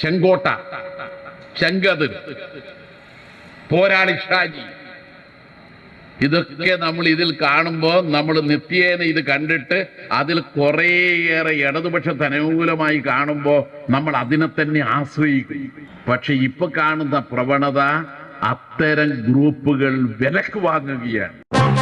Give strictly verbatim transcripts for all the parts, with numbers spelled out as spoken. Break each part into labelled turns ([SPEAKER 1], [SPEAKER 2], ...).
[SPEAKER 1] ചെങ്കോട്ട, ചെങ്കതിർ, പോരാളി ഷാജി, ഇതൊക്കെ നമ്മൾ ഇതിൽ കാണുമ്പോൾ നമ്മൾ നിത്യേന ഇത് കണ്ടിട്ട് അതിൽ കുറേയേറെ ഇടതുപക്ഷത്തിന് അനുകൂലമായി കാണുമ്പോൾ നമ്മൾ അതിനെ തന്നെ ആശ്രയിക്കും. പക്ഷെ ഇപ്പൊ കാണുന്ന പ്രവണത അത്തരം ഗ്രൂപ്പുകൾ വിലക്ക് വാങ്ങുകയാണ്.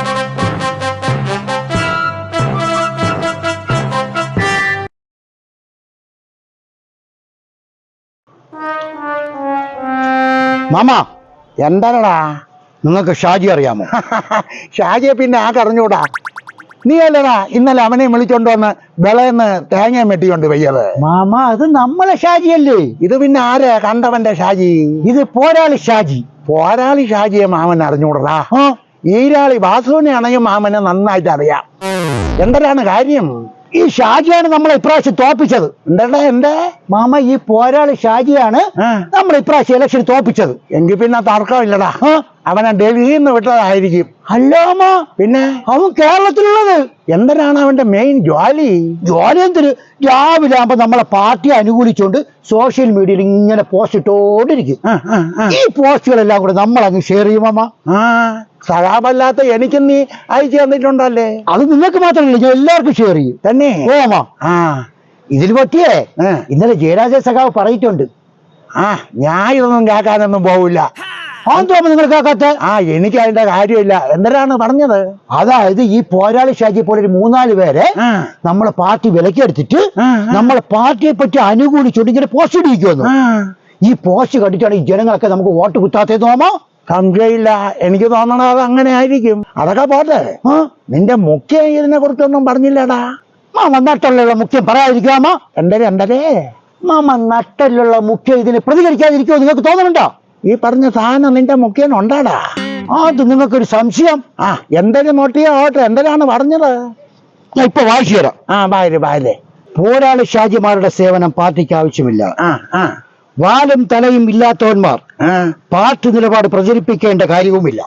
[SPEAKER 2] മാമ എന്താണടാ, നിങ്ങൾക്ക് ഷാജി അറിയാമോ? ഷാജിയെ പിന്നെ ആകെ അറിഞ്ഞൂടാ. നീ അല്ലടാ ഇന്നലെ അവനെ വിളിച്ചോണ്ട് വന്ന് വിളയെന്ന് തേങ്ങ മെട്ടിക്കൊണ്ട് വയ്യത്. മാമ അത് നമ്മളെ ഷാജിയല്ലേ. ഇത് പിന്നെ ആരാ കണ്ടവന്റെ ഷാജി? ഇത് പോരാളി ഷാജി. പോരാളി ഷാജിയെ മാമൻ അറിഞ്ഞൂടാ. ഈരാളി വാസുവിനെ ആണെങ്കിൽ മാമനെ നന്നായിട്ട് അറിയാം. എന്താണ് കാര്യം? ഈ ഷാജിയാണ് നമ്മളെ ഇപ്രാവശ്യം തോപ്പിച്ചത്. എന്താ എന്റെ മാമ, ഈ പോരാളി ഷാജിയാണ് നമ്മളെ ഇപ്രാവശ്യം ഇലക്ഷൻ തോപ്പിച്ചത്. എങ്കിൽ പിന്നെ തർക്കമില്ലടാ, അവനെ ഡൽഹിയിൽ നിന്ന് വിട്ടതായിരിക്കും. അല്ലാമ പിന്നെ അവൻ കേരളത്തിലുള്ളത്. എന്തിനാണ് അവന്റെ മെയിൻ ജോലി? ജോലി എന്തിന്? രാവിലെ ആകുമ്പോ നമ്മളെ പാർട്ടിയെ അനുകൂലിച്ചുകൊണ്ട് സോഷ്യൽ മീഡിയയിൽ ഇങ്ങനെ പോസ്റ്റ് ഇട്ടോണ്ടിരിക്കും. ഈ പോസ്റ്റുകളെല്ലാം കൂടെ നമ്മൾ അങ്ങ് ഷെയർ ചെയ്യുമാ. സഹാബല്ലാത്ത എനിക്കും നീ അയച്ചു തന്നിട്ടുണ്ടല്ലേ? അത് നിങ്ങൾക്ക് മാത്രമല്ല, ഞാൻ എല്ലാവർക്കും ഷെയർ ചെയ്യും തന്നെ. ഓമാ ആ ഇതിൽ പറ്റിയേ ഇന്നലെ ജയരാജ സഖാവ് പറഞ്ഞിട്ടുണ്ട്. ആ ഞാൻ ഇതൊന്നും കേൾക്കാനൊന്നും പോവില്ല. നിങ്ങൾ കേൾക്കാത്ത? ആ എനിക്ക് അതിന്റെ കാര്യമില്ല. എന്തിനാണ് പറഞ്ഞത്? അതായത് ഈ പോരാളി ഷാജി പോലെ ഒരു മൂന്നാല് പേരെ നമ്മളെ പാർട്ടി വിലക്കെടുത്തിട്ട് നമ്മളെ പാർട്ടിയെ പറ്റി അനുകൂലിച്ചുകൊണ്ട് ഇങ്ങനെ പോസ്റ്റ് ഇടിക്കുമെന്ന്. ഈ പോസ്റ്റ് കണ്ടിട്ടാണ് ഈ ജനങ്ങളൊക്കെ നമുക്ക് വോട്ട് കുത്താത്തത്. തോമോ? സംശയമില്ല, എനിക്ക് തോന്നണത് അത് അങ്ങനെ ആയിരിക്കും. അതൊക്കെ പോട്ടെ, നിന്റെ മുഖ്യം ഇതിനെ കുറിച്ചൊന്നും പറഞ്ഞില്ലടാ. മാമ നട്ടലുള്ള മുഖ്യം പറയാതിരിക്കാമോ? എന്തരേ എന്തരേ മാമ നട്ടലുള്ള മുഖ്യം ഇതിന് പ്രതികരിക്കാതിരിക്കുമോ നിങ്ങൾക്ക് തോന്നുന്നുണ്ടോ? ഈ പറഞ്ഞ സാധനം നിന്റെ മുഖ്യൻ ഉണ്ടാടാ. അത് നിങ്ങൾക്കൊരു സംശയം. ആ എന്തൊരു നോട്ടിയോ ഓട്ടെ, എന്തിനാണ് പറഞ്ഞത്? ഞാൻ ഇപ്പൊ വായിച്ചു തരാം. ആ ബാര് ബാര്. പോരാളി ഷാജിമാരുടെ സേവനം പാർട്ടിക്ക് ആവശ്യമില്ല. ആ ആ വാലും തലയും ഇല്ലാത്തവന്മാർ പാർട്ടി നിലപാട് പ്രചരിപ്പിക്കേണ്ട കാര്യവുമില്ല.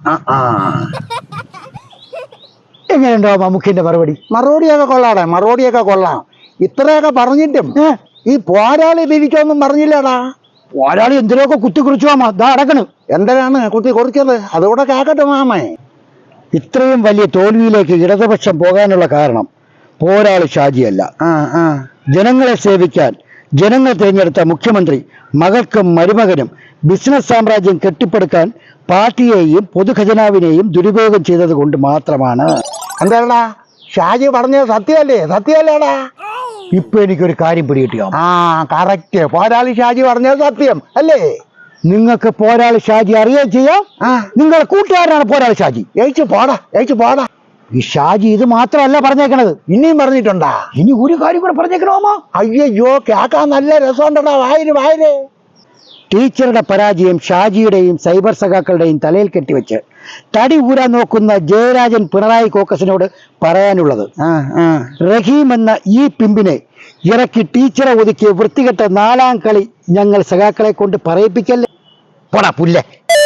[SPEAKER 2] എങ്ങനെയുണ്ടോ മമ്മൂക്കിന്റെ മറുപടി? മറുപടിയൊക്കെ കൊള്ളാടെ, മറുപടിയൊക്കെ കൊള്ളാം. ഇത്രയൊക്കെ പറഞ്ഞിട്ടും ഈ പോരാളി തിരിച്ചൊന്നും പറഞ്ഞില്ലടാ. പോരാളി എന്തിനൊക്കെ കുത്തി കുറിച്ചു മാമ. ദാ അടക്കണ്. എന്തിനാണ് കുത്തി കുറിച്ചത്? അതുകൂടെ കേക്കട്ടെ മാമേ. ഇത്രയും വലിയ തോൽവിയിലേക്ക് ഇടതുപക്ഷം പോകാനുള്ള കാരണം പോരാളി ഷാജിയല്ല. ജനങ്ങളെ സേവിക്കാൻ ജനങ്ങൾ തിരഞ്ഞെടുത്ത മുഖ്യമന്ത്രി മകൾക്കും മരുമകനും ബിസിനസ് സാമ്രാജ്യം കെട്ടിപ്പടുക്കാൻ പാർട്ടിയെയും പൊതുഖജനാവിനെയും ദുരുപയോഗം ചെയ്തത് കൊണ്ട് മാത്രമാണ്. എന്താടാ ഷാജി പറഞ്ഞത് സത്യമല്ലേ? സത്യമല്ലേടാ? ഇപ്പൊ എനിക്കൊരു കാര്യം പിടികിട്ടിയോ? ആ കറക്റ്റ്, പോരാളി ഷാജി പറഞ്ഞത് സത്യം അല്ലേ? നിങ്ങൾക്ക് പോരാളി ഷാജി അറിയുകയും ചെയ്യാം. നിങ്ങളുടെ കൂട്ടുകാരനാണ് പോരാളി ഷാജി. ഏച്ചു പോടാ, ഏച്ചു പോടാ. ഈ ഷാജി ഇത് മാത്രമല്ല പറഞ്ഞേക്കണത്, ഇനിയും പറഞ്ഞിട്ടുണ്ടാ. ഇനി ഒരു കാര്യം കൂടെ പറഞ്ഞേക്കണോമോ? അയ്യോ കേൾക്കാൻ നല്ല രസമുണ്ടടാ. വായര് വായര്. ടീച്ചറുടെ പരാജയം ഷാജിയുടെയും സൈബർ സഖാക്കളുടെയും തലയിൽ കെട്ടിവെച്ച് തടി ഊരാൻ നോക്കുന്ന ജയരാജൻ പിണറായി കോക്കസിനോട് പറയാനുള്ളത്, റഹീം എന്ന ഈ പിമ്പിനെ ഇറക്കി ടീച്ചറെ ഒതുക്കി വൃത്തികെട്ട നാലാം കളി ഞങ്ങൾ സഖാക്കളെ കൊണ്ട് പറയിപ്പിക്കല്ലേ. പോടാ പുല്ലേ.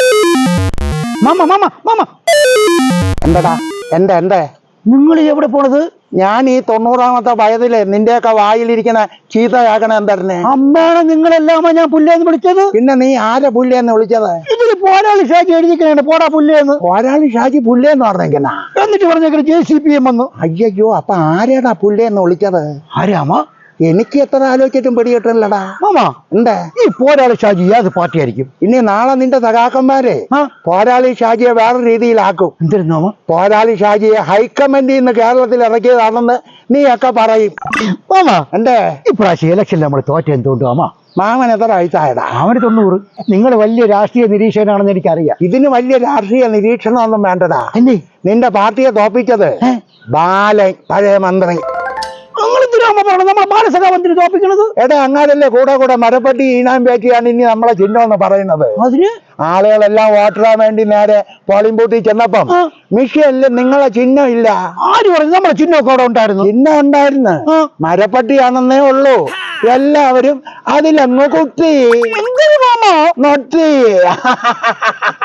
[SPEAKER 2] മാമ മാമ മാമ എന്താടാ? എന്താ എന്താ നിങ്ങൾ എവിടെ പോണത്? ഞാൻ ഈ തൊണ്ണൂറാമത്തെ വയതില് നിന്റെയൊക്കെ വായിലിരിക്കുന്ന ചീത്തയാക്കണ എന്തായിരുന്നേ? അമ്മാണ് നിങ്ങളെല്ലാമോ ഞാൻ പുല്ലേന്ന് വിളിച്ചത്? പിന്നെ നീ ആരെ പുല്ലേന്ന് വിളിച്ചത്? ഇതില് പോരാളി ഷാജി എഴുതിക്കണേ പോടാ പുല്ലേന്ന്. പോരാളി ഷാജി പുല്ലേന്ന് പറഞ്ഞേക്കണ. എന്നിട്ട് പറഞ്ഞേക്കണ ജെ സി പി എം വന്നു. അയ്യോ അപ്പൊ ആരെടാ പുല്ലേന്ന് വിളിച്ചത്? ആരാമോ? എനിക്ക് എത്ര ആലോചിച്ചിട്ടും പിടികിട്ടില്ലടാ. മാമാ എന്താ ഈ പോരാളി ഷാജി ഏത് പാർട്ടി ആയിരിക്കും? ഇനി നാളെ നിന്റെ സഖാക്കന്മാരെ പോരാളി ഷാജിയെ വേറെ രീതിയിലാക്കും. എന്തിരുന്നോ? പോരാളി ഷാജിയെ ഹൈക്കമാൻഡിൽ നിന്ന് കേരളത്തിൽ ഇറക്കിയതാണെന്ന് നീ ഒക്കെ പറയും. മാമാ എന്തേ ഇപ്രാവശ്യം ഇലക്ഷനിൽ നമ്മൾ തോറ്റ എന്തുകൊണ്ട് മാമാ? മാമൻ എത്ര വയസ്സായടാ? അവന് തൊണ്ണൂറ്. നിങ്ങൾ വലിയ രാഷ്ട്രീയ നിരീക്ഷകനാണെന്ന് എനിക്കറിയാം. ഇതിന് വലിയ രാഷ്ട്രീയ നിരീക്ഷണമൊന്നും വേണ്ടടാ. എന്നെ നിന്റെ പാർട്ടിയെ തോപ്പിച്ചത് ബാലൻ, പഴയ മന്ത്രി. നമ്മളെ ബാലസഖാമന്ത്രി തോപ്പിക്കണത് എടാ അങ്ങാരല്ലേ കൂടെ കൂടെ മരപ്പട്ടി ഈനാൻ പറ്റിയാണ് ഇനി നമ്മളെ ചിഹ്നം എന്ന് പറയുന്നത്. അതിന് ആളുകളെല്ലാം വോട്ടിടാൻ വേണ്ടി നേരെ പോളിംഗ് ബൂത്തിൽ ചെന്നപ്പം മിഷ്യനില് നിങ്ങളെ ചിഹ്നം ഇല്ല. ആര് പറഞ്ഞു? നമ്മളെ ചിഹ്നമൊക്കെ അവിടെ ഉണ്ടായിരുന്നു. ചിഹ്നം ഉണ്ടായിരുന്നു, മരപ്പട്ടിയാണെന്നേ ഉള്ളൂ. എല്ലാവരും അതിലങ്ങ് കുത്തി നൊട്ടി.